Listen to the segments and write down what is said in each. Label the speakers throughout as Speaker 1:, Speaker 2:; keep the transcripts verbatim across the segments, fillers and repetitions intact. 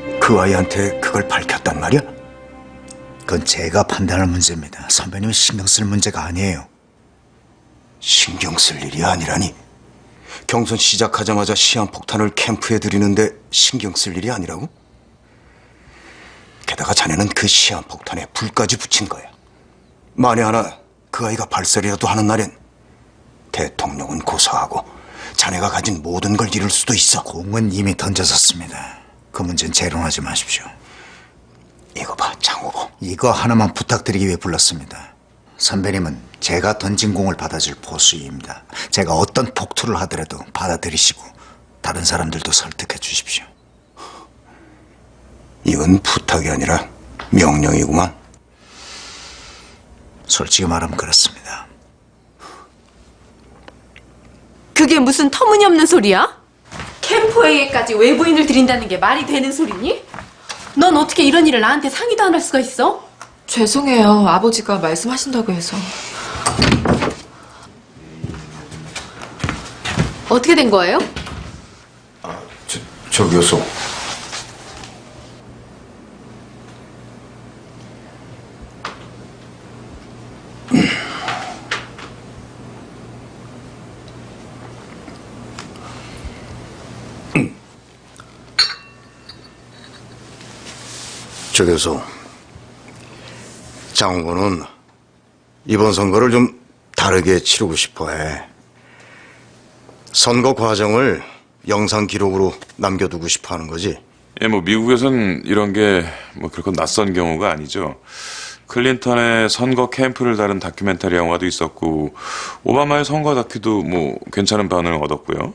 Speaker 1: 그 아이한테 그걸 밝혔단 말이야? 그건 제가 판단할 문제입니다. 선배님이 신경 쓸 문제가 아니에요. 신경 쓸 일이 아니라니? 경선 시작하자마자 시한폭탄을 캠프에 들이는데 신경 쓸 일이 아니라고? 게다가 자네는 그 시한폭탄에 불까지 붙인 거야. 만에 하나 그 아이가 발설이라도 하는 날엔 대통령은 고사하고 자네가 가진 모든 걸 잃을 수도 있어. 공은 이미 던져졌습니다. 그 문제는 재론하지 마십시오. 이거 봐, 장 후보. 이거 하나만 부탁드리기 위해 불렀습니다. 선배님은 제가 던진 공을 받아줄 보수입니다. 제가 어떤 폭투를 하더라도 받아들이시고 다른 사람들도 설득해 주십시오. 이건 부탁이 아니라 명령이구만. 솔직히 말하면 그렇습니다.
Speaker 2: 그게 무슨 터무니없는 소리야? 캠프회의에까지 외부인을 들인다는 게 말이 되는 소리니? 넌 어떻게 이런 일을 나한테 상의도 안 할 수가 있어?
Speaker 3: 죄송해요. 아버지가 말씀하신다고 해서.
Speaker 2: 어떻게 된 거예요?
Speaker 1: 아, 저, 저 교수. 저 교수, 장 후보는 이번 선거를 좀 다르게 치르고 싶어해. 선거 과정을 영상 기록으로 남겨두고 싶어하는 거지.
Speaker 4: 예, 뭐 미국에선 이런 게 뭐 그렇게 낯선 경우가 아니죠. 클린턴의 선거 캠프를 다룬 다큐멘터리 영화도 있었고 오바마의 선거 다큐도 뭐 괜찮은 반응을 얻었고요.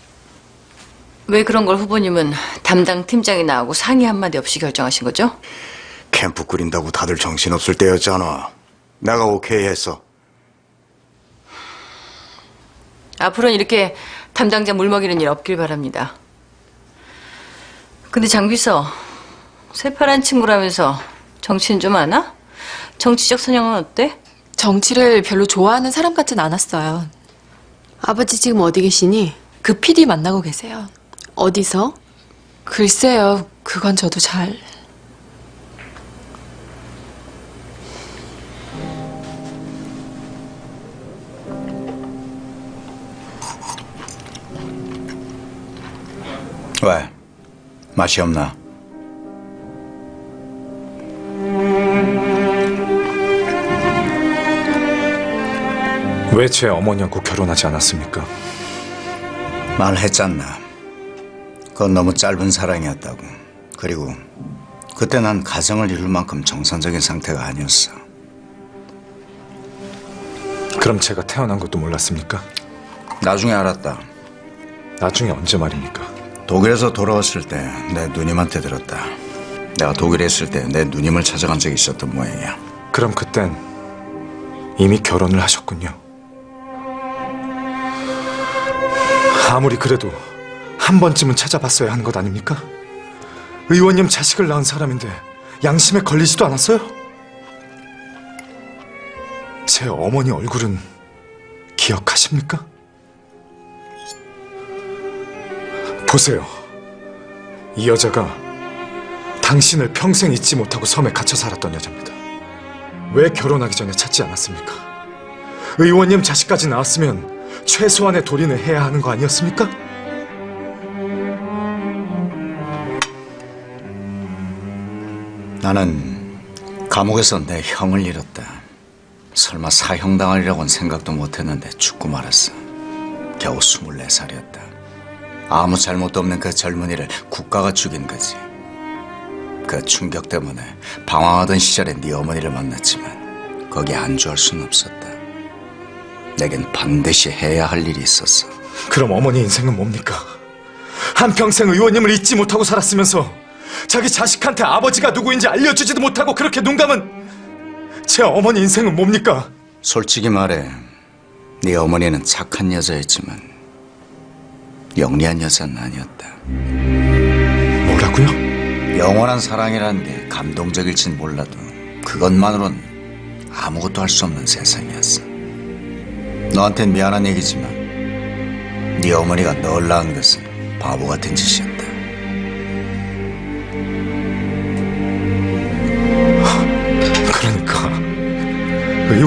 Speaker 5: 왜 그런 걸 후보님은 담당 팀장이 나하고 상의 한마디 없이 결정하신 거죠?
Speaker 1: 캠프 꾸린다고 다들 정신없을 때였잖아. 내가 오케이 했어.
Speaker 5: 앞으로는 이렇게 담당자 물먹이는 일 없길 바랍니다. 근데 장비서, 새파란 친구라면서 정치는 좀 아나? 정치적 선영은 어때?
Speaker 3: 정치를 별로 좋아하는 사람 같진 않았어요.
Speaker 2: 아버지 지금 어디 계시니?
Speaker 3: 그 피디 만나고 계세요.
Speaker 2: 어디서?
Speaker 3: 글쎄요. 그건 저도 잘...
Speaker 1: 왜? 맛이 없나?
Speaker 6: 왜 제 어머니하고 결혼하지 않았습니까?
Speaker 1: 말했잖아. 그건 너무 짧은 사랑이었다고. 그리고 그때 난 가정을 이룰 만큼 정상적인 상태가 아니었어.
Speaker 6: 그럼 제가 태어난 것도 몰랐습니까?
Speaker 1: 나중에 알았다.
Speaker 6: 나중에 언제 말입니까?
Speaker 1: 독일에서 돌아왔을 때 내 누님한테 들었다. 내가 독일에 있을 때 내 누님을 찾아간 적이 있었던 모양이야.
Speaker 6: 그럼 그땐 이미 결혼을 하셨군요. 아무리 그래도 한 번쯤은 찾아봤어야 하는 것 아닙니까? 의원님 자식을 낳은 사람인데 양심에 걸리지도 않았어요? 제 어머니 얼굴은 기억하십니까? 보세요. 이 여자가 당신을 평생 잊지 못하고 섬에 갇혀 살았던 여자입니다. 왜 결혼하기 전에 찾지 않았습니까? 의원님 자식까지 낳았으면 최소한의 도리는 해야 하는 거 아니었습니까?
Speaker 1: 나는 감옥에서 내 형을 잃었다. 설마 사형당하리라고는 생각도 못했는데 죽고 말았어. 겨우 스물네 살이었다. 아무 잘못도 없는 그 젊은이를 국가가 죽인 거지. 그 충격 때문에 방황하던 시절에 네 어머니를 만났지만 거기에 안주할 수는 없었다. 내겐 반드시 해야 할 일이 있었어.
Speaker 6: 그럼 어머니 인생은 뭡니까? 한평생 의원님을 잊지 못하고 살았으면서 자기 자식한테 아버지가 누구인지 알려주지도 못하고 그렇게 눈 감은 제 어머니 인생은 뭡니까?
Speaker 1: 솔직히 말해, 네 어머니는 착한 여자였지만 영리한 여자는 아니었다.
Speaker 6: 뭐라고요?
Speaker 1: 영원한 사랑이라는 게 감동적일진 몰라도 그것만으론 아무것도 할 수 없는 세상이었어. 너한텐 미안한 얘기지만 네 어머니가 널 낳은 것은 바보 같은 짓이었다.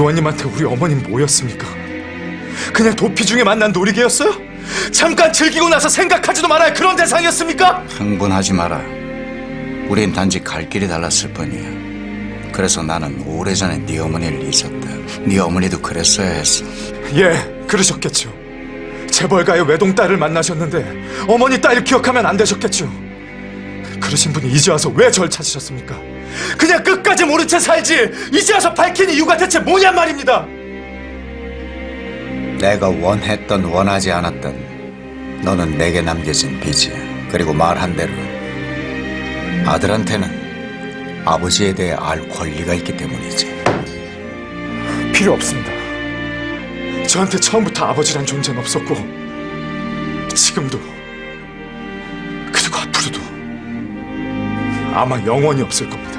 Speaker 6: 의원님한테 우리 어머님 뭐였습니까? 그냥 도피 중에 만난 놀이개였어요? 잠깐 즐기고 나서 생각하지도 말아야 그런 대상이었습니까?
Speaker 1: 흥분하지 마라. 우린 단지 갈 길이 달랐을 뿐이야. 그래서 나는 오래전에 네 어머니를 잊었다. 네 어머니도 그랬어야 했어.
Speaker 6: 예, 그러셨겠죠. 재벌가의 외동딸을 만나셨는데 어머니 딸 기억하면 안 되셨겠죠. 그러신 분이 이제 와서 왜 절 찾으셨습니까? 그냥 끝까지 모른 채 살지 이제 와서 밝힌 이유가 대체 뭐냔 말입니다.
Speaker 1: 내가 원했던 원하지 않았던 너는 내게 남겨진 빚이야. 그리고 말한 대로 아들한테는 아버지에 대해 알 권리가 있기 때문이지.
Speaker 6: 필요 없습니다. 저한테 처음부터 아버지란 존재는 없었고 지금도 그리고 앞으로도 아마 영원히 없을 겁니다.